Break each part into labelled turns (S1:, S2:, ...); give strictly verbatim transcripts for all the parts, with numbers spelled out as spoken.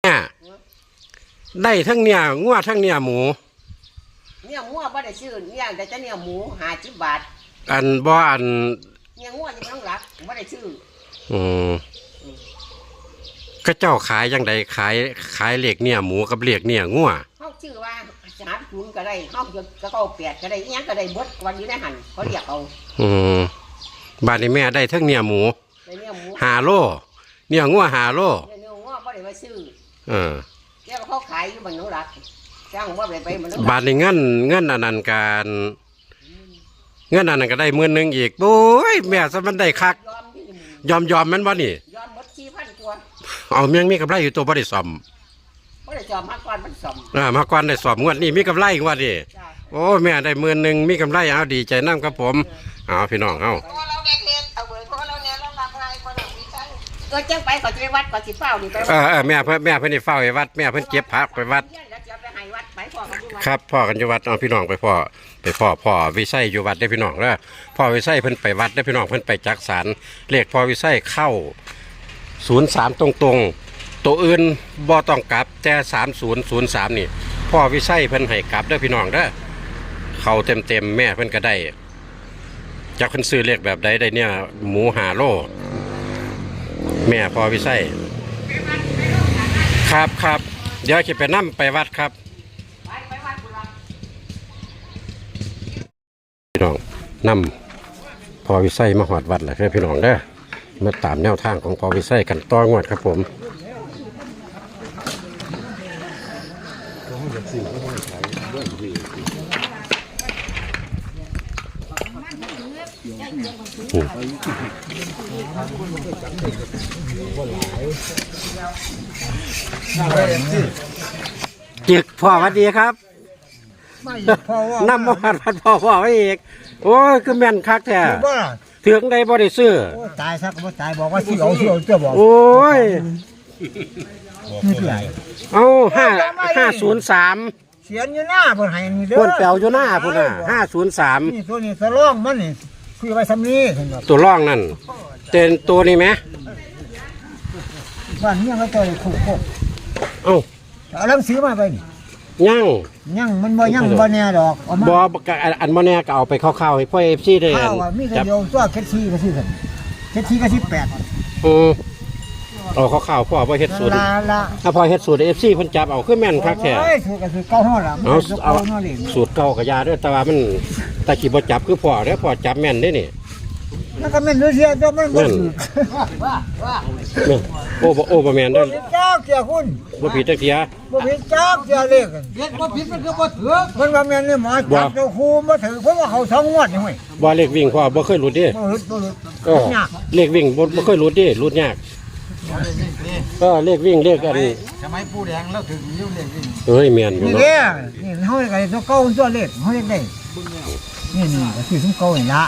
S1: ได้ทั้งเนี่ยงัวทั้งเนี่ยหมู
S2: เนี่ยงัวบ่ได้ซื้อเนี่ยแต่จะเนี่ยหมูห้าสิบบาท
S1: อันบ่อัน
S2: เนี่ยงัวยังต้องรักบ่ได้ซื้อ
S1: อืมก็เจ้าขายยังไงขายขายเหล็กเนี่ยหมูกับเหล็กเนี่ยงัว
S2: เขาชื่อว่าสามศูนย์ก็ได้เขาก็เก้าแปดก็ได้ยังก็ได้บดวันอยู่ในหันเขาเรียกเอา
S1: อืมบ้านนี้แม่ได้ทั้งเนี่ยหมูหาโลเนี่ยงัวหาโล
S2: เนี่ยงัวบ่ได้มาซื้อ
S1: เออ
S2: แล้วเขาขายอยู่บ้านน้องรักจ้างว่าไปไปมัน
S1: บ้านนี้เงินเงินอันนั้นการเงินอันนั้นก็ได้หมื่นหนึ่งอีกโอ้ยแม่ซะมันได้คักยอมยอมมันบ่นี่
S2: ยอมหมดสี่พันตัว
S1: เอาเมียงมีกำไรอยู่ตัวบ่ได้ซ่อม
S2: บ่ได้ซ่อมมาก่อนมันซ่อม
S1: อ่ามาก่อนได้ซ่อมงวดนี้มีกำไรงวดนี้โอ้แม่ได้หมื่นหนึ่งมีกำไรเอาดีใจน้ำกับผมเอาพี่น้องเอา
S2: ก็แจ้งไปเขาจะไปวัดเขาสิเฝ้านี่ไป
S1: เออเออแม่เพิ่นแม่เพิ่นนี่เฝ้าไปวัดแม่เพิ่นเก็บผักไปวัดครับพ่อกันอยู่วัดเอาพี่น้องไปพ่อไปพ่อพ่อวิไสอยู่วัดได้พี่น้องแล้วพ่อวิไสเพิ่นไปวัดได้พี่น้องเพิ่นไปจักสารเลขพ่อวิไสเข้าศูนย์สามตรงตรงตัวอื่นบ่ต้องกลับแต่สามศูนย์ศูนย์สามนี่พ่อวิไสเพิ่นให้กลับได้พี่น้องเด้อเข้าเต็มเต็มแม่เพิ่นก็ได้จักเพิ่นซื้อเลขแบบใดได้เนี่ยหมูหาโลแม่พ่อวิไสครับครับเดี๋ยวจะไปนั่งไปวัดครับพี่น้องนำพอวิไสมาหอดวัดแหละครับพี่น้องเด้อมาตามแนวทางของพอวิไสกันต่องวดครับผมจึกพ่อวัดดีครับนำมาวัดวัดพ่อพ่อไว้อีกโอ้ยคือแม่นคักแท้ถึงได้บ่ได้ซื้อ
S3: ตายสักบ่ตายบอกว่าสิเอาสิเอาจะบอก
S1: โอ้ย
S3: นี่เท่าไหร่
S1: เอาห้าห้าศูนย์สาม
S3: เสียนอยู่หน้าเพิ่นให้นี่เด้อ
S1: เพิ่นแปลวอยู่หน้าพุ่นน่ะห้าศูนย์สาม
S3: นี่ตัวนี้สะล่องมันนี่คือไว้ซ้ำนี้เห็นบ่
S1: ตัวร่องนั่นเต็นตัวนี้ไหม
S3: บ้านเมียก็ตัวคู่โคก
S1: เอ้า
S3: เอาหนังสือมาไปนี่
S1: ยั่ง
S3: ยั่งมันบ่ยั่งบ่แน่ดอก
S1: เอามาบ่อันบ่แน่ก็เอาไปเข้าๆให้พ่อ เอฟ ซี ได้
S3: ข้าวมีแต่เดียวตัวเค็ดซีก็สิซั่นเค็ดซีก็สิบแปด
S1: อือเอาเข้าๆพ่อบ่เฮ็ดสูตรถ้าพ่อเฮ็ดสูตร เอฟ ซี เพิ่นจับเอาคือแม่นคักแท้
S3: เอ้ยสูตรก็สูตรเก่าเฮาล่ะ
S1: เอาเอาสูตรเก่าก็ยาเด้อแต่ว่ามันตะกี้บ่จับคือพ่อเด้อพ่อจับแม่นเด้นี่
S3: มันก็แม่นเสียตัวมันบ่ถูก
S1: ว่าว่าโอ้บ่โอ้บ่แม่นเด้อ
S3: จ้าเสียคุณ
S1: บ่ผิดจักเที่ย
S3: บ่ผิดจ้าเสียเลขเฮ็ดบ่ผิดมันคือบ่ถูกมันว่าแม่นนี่หมอจับเจ้าครูบ่ถือเพราะว่าเขาสองงวดนี่เว้ย
S1: บ่เลขวิ่งพ่อบ่เคยหลุดดิ
S3: บ่หลุดบ่หลุด
S1: เออเลขวิ่งบ่บ่เคยหลุดดิหลุดยากก็เลขวิ่งเลขอัน
S3: สมัยปู่แดงแล้วถึงอยู่เลขวิ่ง
S1: เอ้ยแม่นอยู่
S3: เนาะนี่เฮาก็ตัวเก่าตัวเลขเฮาเฮ็ดได้นี่นี่ก็คือซุมเก่านี่ล่ะ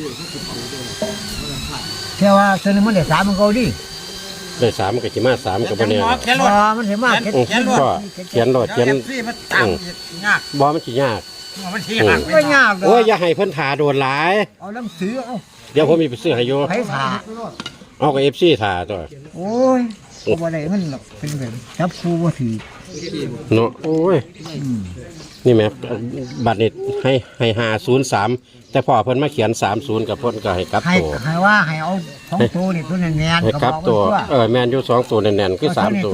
S3: แค่ว่าตัวนี้มันได้สามมันเก่าดิ
S1: ได้สามก็สิมาสามก็บ่แน่
S3: บ่มันสิมาเขียนรถ
S1: เขียนรถเขียน
S3: ยาก
S1: บ่มันสิยาก
S3: มันสิยากบ่ยาก
S1: โอ้ยอย่าให้เพิ่นถ่าโดนหลาย
S3: เอาหนังสือเอา
S1: เดี๋ยวผมมีไปซื้อให้อยู่
S3: ให้ถ่า
S1: เอากับ เอฟ ซี ถ่าตัว
S3: โอ้ยบ่ได้มันเป็นแบบจับครูบ่ถือ
S1: เนาะโอ้ยนี่แม่บัตรนี่ให้ให้ห้าศูนย์สามแต่พ่อเพิ่นมาเขียนสามศูนย์กับเพิ่นก็ให้กลับตัว
S3: ให้ว่าให้เอาสองตัวนี่ตัวแน่นๆ
S1: ให้กลับตัวเออแม่นอยู่สองตัวแน่นๆคือสามตัว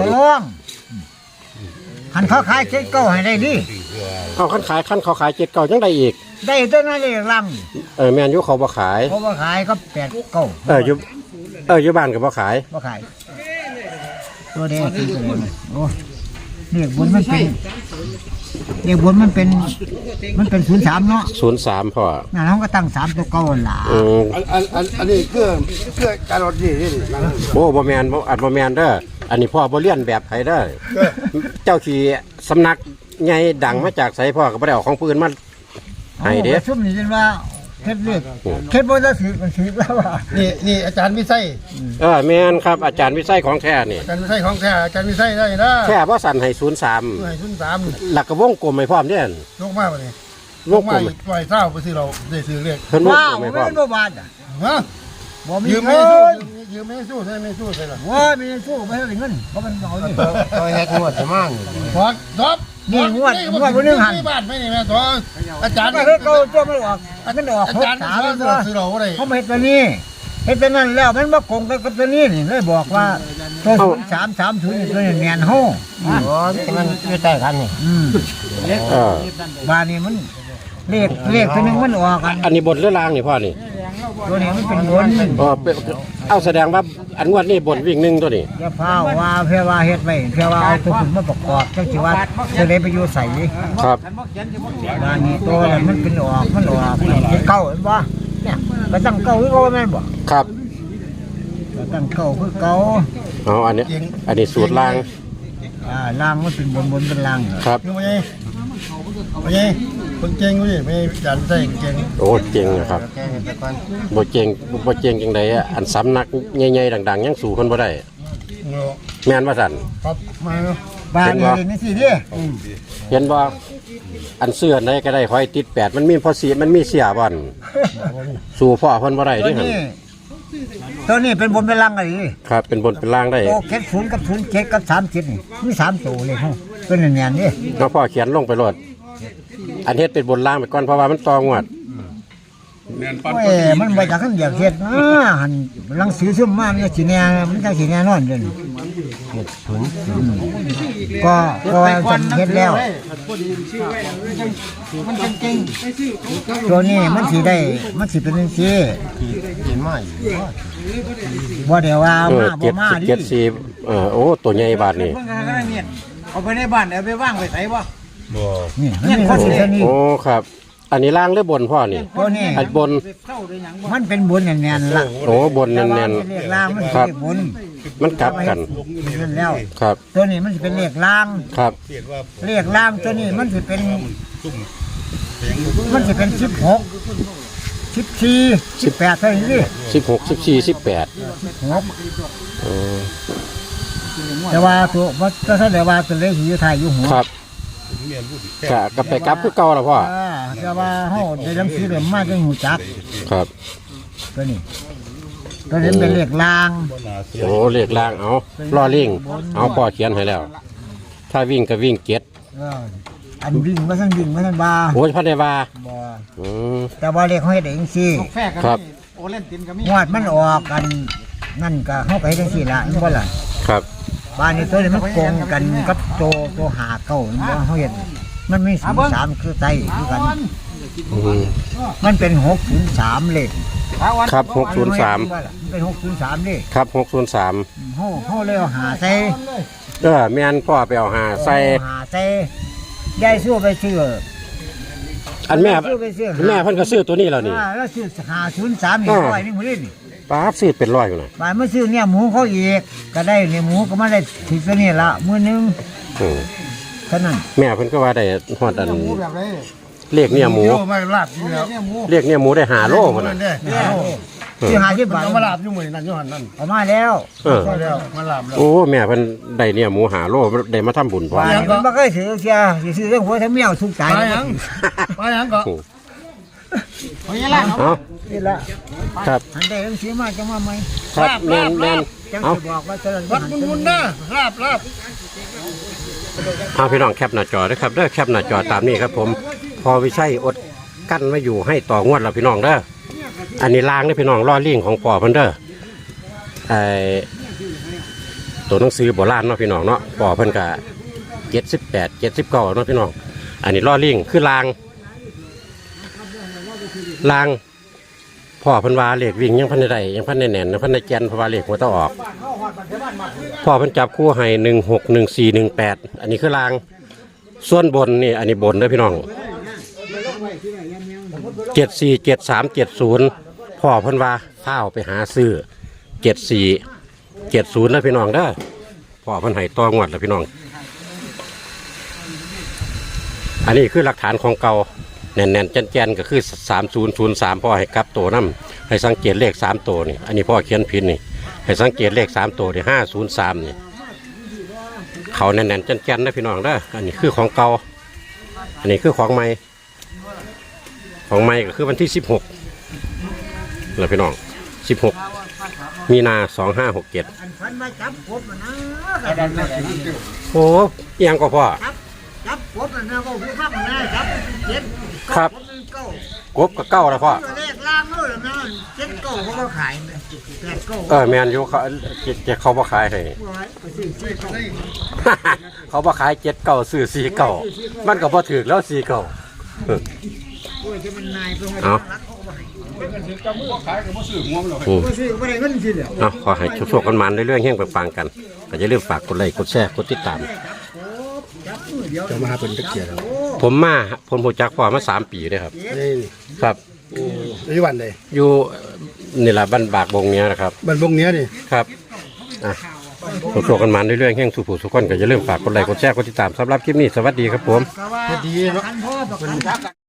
S3: คันเขาขายเจ็ดเก้าให้ได้ดิ
S1: เอาคันขายคันเขาขายเจ็ดเก้าจังได้อีก
S3: ได้ตัวนั้นเลยล
S1: ำเออแม่นอยู่เขาบ่ขาย
S3: เขาบ่ขายก็แปดเก้า
S1: เอออยู่เอออยู่บ้านก็บ่ขาย
S3: บ่ขายตัวเดียวโอ้เรียกบนมันเป็นเรียกบนมันเป็นมันเป็นศูนย์สามเนาะ
S1: ศูนย์สามพ่อ
S3: นั่นเขาก็ตั้งสามตัวเก้าล่ะ
S1: อืม
S3: อันอันอันนี้คือคือการรถนี่นี่
S1: โอ้บ่แม่นบ่อัดบ่แม่นเด้ออันนี้พ่อบ่เรียนแบบไผเด้อเจ้าขี่สำนักใหญ่ดังมาจากไสพ่อก็บ่ได้เอาของผู้อื่นมาให้เด้
S3: ซุ่มนี่จนว่าเฮ็ดเลขเฮ็ดบ่ได้ถือมันถือแล้วว่า
S4: นี่นี่อาจารย์วิไส
S1: เออแม่นครับอาจารย์วิไสของแท้นี่
S4: อาจารย์วิไสของแท้อาจารย์วิไสได้นะ
S1: แท้บ่สั่นให้ศูนย์สาม
S4: ให้ศูนย์สาม
S1: หลักก็วงกลมให้พร้อมเด้อ
S4: ลงมาบ่นี่ลงมาปล่อยเช้าไปซื้อเราได้ซื้อเลข
S1: เพิ่นวงกลมให้พร้อม
S3: บ่บาดอ่ะ
S4: ฮะ
S3: บ่มี
S4: ยืม
S3: เงิ
S4: ไม่สู้
S3: น
S4: ยืมไม่สู้ใช่ไม่สู้ใช่หรอ
S3: ว่ามีสู้ไม่ให้เงินเพราะมันเอานี่
S5: ตัวเฮ็ดงวดจะมั่ง
S4: ทอดทอด
S3: นี่งวดงวดวันนึงหัน
S4: ที่บ้านไม่นี่แม่ทอดอาจารย์
S3: ก็เฮ็ดเขาตัวมันออกอันนั้นออก
S4: อา
S3: หก
S4: จารย์
S3: สาม
S4: สอน
S3: ตัว
S4: ซื้อเราอะไร
S3: เขามาเฮ็ดตัวนี้เฮ็ดตัวนั้นแล้วมันมาโกงกันกับตัวนี้นี่เลยบอกว่าตัวศูนย์สามสามศูนย์นี่ตัวนี้แม่นเฮา
S5: โอ้ยมันอยู่ใต้กันนี่
S3: อืม
S1: เออ
S3: บ้านนี้มันเลขเลขตัวหนึงมันออกกัน
S1: อันนี้บนหรือล่างนี่พ่อนี่
S3: ตัวนี้มันเป็นบน
S1: อ๋อเป็นเอาแสดงว่าอันงวดนี้บนวิ่งหนึ่งตัวนี้
S3: อย่าพาว่าเพื่อว่าเฮ็ดไว้เพื่อว่าเอาตัวคุณมาประกอบจังสิว่าจะได้ไปอยู่ใส่
S1: ครับ
S3: บ้านนี้ตัวนั้นมันเป็นออกมันออกเป็นเก่าเห็นบ่เนี่ยก็ตั้งเก่าคือเก่าแม่นบ่
S1: ครับ
S3: ก็ตั้งเก่าคือเก่า
S1: เอาอันนี้อันนี้สูตรล่าง
S3: อ่าล่างมันเป็นบนบนเป็นล่างเหรอ
S1: ครับ
S4: ยังไงยังไงคนเก่งกูดิไม่อาจารย์ใส่เก่ง
S1: โอ้เจ๋งนะครับ
S5: แก้กันตะกอน
S1: บ่เจ๋งบ่เจ๋งจังไดอะอันสำนักใหญ่ๆดังๆยังสู่คนบ่ได้
S4: เนาะ
S1: แม่นว่าซั่น
S4: ครับมาเนาะ
S3: บ้านนี้นี่สิเด้
S1: เห็นบ่อันเสื้อไหนก็ได้ขอให้ติดแปดมันมีพอสีมันมีเสียบ่อนสู่พ่อเพิ่นบ่ได้
S3: ตัว
S1: เด้หั่น
S3: นี้ตัวนี้เป็นบนเป็นล่างอะไรนี่
S1: ครับเป็นบนเป็นล่างได้
S3: โตเจ็ดศูนย์กับศูนย์เจ็ดกับสามเจ็ดนี่มีสามตัวเลยฮะเป็นแน่นๆนี่
S1: เนาะพ่อเขียนลงไปโลดอันเฮ็ดเป็นบนล่างไปก่อนเพราะว่ามันตองวด
S3: โอ้ยมันไปจากขั้นเดียวเฮ็ดนะหันหลังสือซึมมามันจะสิแน่มันจะสิแน่นอนเด้อก็ก็ว่าจะเฮ็ดแล้ว
S5: มันเป็นจริง
S3: ตัวนี้มันสิได้มันสิเป็นจังซี่
S5: กินมาอยู่
S3: บ่ได้ว่า
S1: เออ
S3: มาบ่
S1: เจ็ด
S3: มา
S1: สิบ
S3: ดิ
S1: เจ็ดสี่เออโอ้ตัวใหญ่บาทนี่
S3: เอาไปในบ้านเอาไปวางไว้ไสบ่
S4: บ่
S3: นี่มันมีคนสินี่
S1: โอ้ครับ อันนี้ล่างหรือบนพ่อนี่
S3: ตัวนี้
S1: อันบน
S3: มันเป็นบุญแน่นๆล่ะ
S1: โอ้บนแน่น
S3: เรียกล่างมัน
S1: ๆ
S3: สิ
S1: ครับ
S3: เรียกบุญ
S1: มันกลับกัน
S3: นั่นแล้ว
S1: ครับ
S3: ตัวนี้มันสิเป็นเลขล่าง
S1: ครับ
S3: เลขล่างตัวนี้มันสิเป็นมันสิเป็นสิบหกสิบสี่สิบแปดเท่านี้ดิ
S1: สิบหกสิบสี่สิบแปด
S3: หก
S1: เออ
S3: แต่ว่าตัวมันก็แสดงว่าตัวเลขอยู่ไทายอยู่หัว
S1: ครับกะก็ไปกลับคือเก่าแล้วพ่อ
S3: อ่าแต่ว่าเฮาได้หนังสือเล่มมาจังหูจัก
S1: ครับ
S3: ตัวนี้ตัวนี้เป็นเลขล่าง
S1: โอ้เลขล่างเอาล่อลิงเอาพ่อเขียนให้แล้ว ถ้าวิ่งก็วิ่งเจ็ด
S3: เอออันวิ่งมาทันวิ่งมาทันบา
S1: โอ้ยพันได้ว่า
S3: บ่
S1: อืม
S3: แต่ว่าเลขเขาเฮ็ดเองสิ
S1: ครับ
S3: งวดมันออกกันนั่นก็เฮาก็เฮ็ดจังซี่ล่ะเห็นบ่ล่ะ
S1: ครับ
S3: บ้านนี้ตัวนี้มันโกงกันกับโตโตหาเก้าเห็นบ่เฮาเฮ็ดมันมีศูนย์สามคือไตคือกัน
S1: อืม
S3: มันเป็นหกศูนย์สามเลข
S1: ครับหกศูนย์สาม
S3: มันเป็นหกศูนย์สามเลข
S1: ครับหกศูนย์สาม
S3: เฮาเฮาเลยเอาหาใส่
S1: เออแม่นพ่อไปเอาหาใส่
S3: เอาหาใส่ยายสู้ไปซื้อ
S1: อันแม่
S3: ซื้อไปซื้อ
S1: แม่เพิ่นก็ซื้อตัวนี้แล้วนี่
S3: อ่าแล้วซื้อหาศูนย์สามนี่
S1: อ่า
S3: ร้อยหนึงมื้อนี้
S1: ป้าบซื้อเป็นร้อยอยู่น่ะ
S3: บาดมาซื้อเนี่ยหมูเขาอีกก็ได้เนี่ยหมูก็มาได้ถึงตัวนี้ละมื้อหนึง
S1: อืม
S3: เท่านั้น
S1: แม่เพิ่นก็ว่าได้ฮอดอัน
S5: แบบไร
S1: เลขเนี่ยหมู
S4: โยมาลาบอยู่แล้ว
S1: เลขเนี่ยหมูได้หาโลพุ่นน่ะ
S4: เนี่ย
S3: เนี่ยซื้อหาสิบบาท
S4: เอามาลาบอยู่มื้อนั่นอยู่หั่นนั่น
S3: เอามาแล้ว
S1: เออ
S4: มาแล้วมาลาบแล้ว
S1: โอ้แม่เพิ่นได้เนี่ยหมูหาโลได้มาทำบุญพร้อม
S3: บาดนี้มันบ่เคยซื้อเสียสิซื้อเรื่องหัวทั้งเมียวทุกใจ
S4: ไปหยังไปหยังก็
S1: เอา
S3: นี่ละ
S1: ครับ
S3: อันใดต้องซื้อมาจะมาไหม
S1: ครับแม่นแม่น
S3: จัง
S1: เอา
S3: สิบอกว่าจะ
S4: วัดมุนๆนะลาบลาบ
S1: เอาพี่น้องแคปหน้าจอด้วยครับเด้อแคปหน้าจอตามนี้ครับผมพอวิชัยอดกั้นไว้อยู่ให้ต่องวดแล้วพี่น้องเด้ออันนี้ล้างเด้อพี่น้องล่อลิงของพ่อเพิ่นเด้อไอตัวหนังสือโบราณเนาะพี่น้องเนาะพ่อเพิ่นก็เจ็ดสิบแปดเจ็ดสิบเก้าเนาะพี่น้องอันนี้ล่อลิงคือลางลางพ่อเพิ่นว่าเลขวิ่งยังพันได้ยังพันได้แน่นยังพันได้แกนเพราะว่าเลขหัวตะออกพ่อเพิ่นจับคู่ให้หนึ่งหกหนึ่งสี่หนึ่งแปดอันนี้คือลางส่วนบนนี่อันนี้บนเด้อพี่น้องเจ็ดสี่เจ็ดสามเจ็ดศูนย์พ่อเพิ่นว่าเฝ้าไปหาซื้อเจ็ดสี่เจ็ดศูนย์นะพี่น้องเด้อพ่อเพิ่นให้ต่องวดแล้วพี่น้องอันนี้คือหลักฐานของเก่าแน่นๆแจนๆก็คือสามศูนย์ศูนย์สามพ่อให้กลับตัวน้ำให้สังเกตเลขสามตัวนี่อันนี้พ่อเขียนผิดนี่ให้สังเกตเลขสามตัวนี่ห้าศูนย์สามนี่เขาแน่นๆแจนๆนะพี่น้องเด้ออันนี้คือของเก่าอันนี้คือของใหม่ของใหม่ก็คือวันที่สิบหกเลยพี่น้องสิบหกมีนาสองห้าหกเจ็ด
S3: อันฟันมาจับกบนะก็ได้มาเจ็ด
S1: โอ้เอียงก็พ่อ
S3: จับกบนะก็ผู้ฟังนะจับเจ็ด
S1: ครับ
S3: เก้าก
S1: บกับเก้าแล้วพ่อ
S3: เลขล่างเลยนะเจ็ดเก้าเขาก็ขายแปดเก้า
S1: เออแมนอยู่เขาเจ็ดเจ็ดเขาบ่ขายให้
S3: ไปซื้อซื้อเขาได้
S1: เขาบ่ขายเจ็ดเก้าซื้อสี่เก้ามันก็บ่ถือแล้วสี่เก้า
S3: โอ้ยจะมันนายเพิ่งมา
S1: เอา
S3: รักเขาก็บ่ให้
S1: อืม
S3: บ่ซื้อบ่ได้เงินสิเด้อ
S1: เอาขอให้โชคๆกันมันเรื่อยๆแห้งไปฟังกันก็อย่าลืมฝากกดไลค์กดแชร์กดติดตาม
S3: จับมือเดียว
S4: จะมาหาเป็นตะเกียบ
S1: ผมมาผมรู้จักพ่อมาสามปีเลยครับ
S4: นี่
S1: ครับ
S4: อายุวันเลย
S1: อยู่นี่ล่ะบ้านบากบงเนี้ยนะครับ
S4: บันบงเนี้ยนี่
S1: ครับอ่ะโชคๆกันมันเรื่อยๆแห้งสู่ผู้สุขคนก็อย่าลืมฝากกดไลค์กดแชร์กดติดตามสำหรับคลิปนี้สวัสดีครับผม
S3: ก็ว่า
S4: ดีเนาะ
S3: คันพ่อประกัน